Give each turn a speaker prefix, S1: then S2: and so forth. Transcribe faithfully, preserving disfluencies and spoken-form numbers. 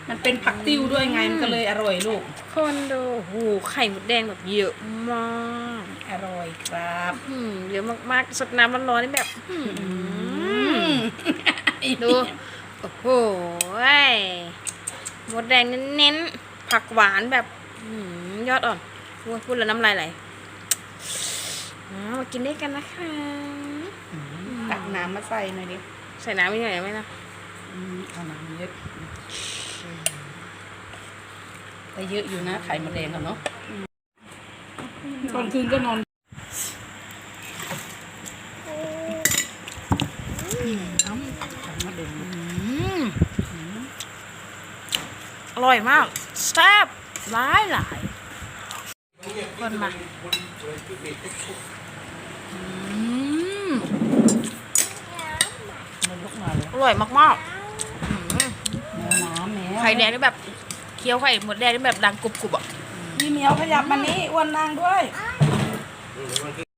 S1: มันเป็นผักติ้วด้วยไงมันก็เลยอร่อยลูก
S2: คนดูโอ้โหไข่หมดแดงแบบเยอะมาก
S1: อร่อยครับ
S2: อืมเยอะมากๆสดน้ำร้อนๆนี่แบบดูโอ้โหหมดแดงเน้นๆผักหวานแบบยอดอ่อนพูดแล้วน้ำลายไหลมากินได้กันนะคะ
S1: ตักน้ำมาใส่หน่อยดิ
S2: ใส่น้ำไม่หน่อยไหมนะ
S1: เอาน้ำเยอะแต่เยอะอยู่นะไข่มดแดงกันเนาะตอนคืนก็นอนน้ำไข่มดแดง
S2: อร่อยมากแซ่บหลายหลายคนมาอร่อยมากๆไข่แดงนี่แบบเคี้ยวไข่หมดแดงนี่แบบดังกรุบๆอ่ะ
S1: พี่เหมียวขยับมานี่อ้วนนางด้วย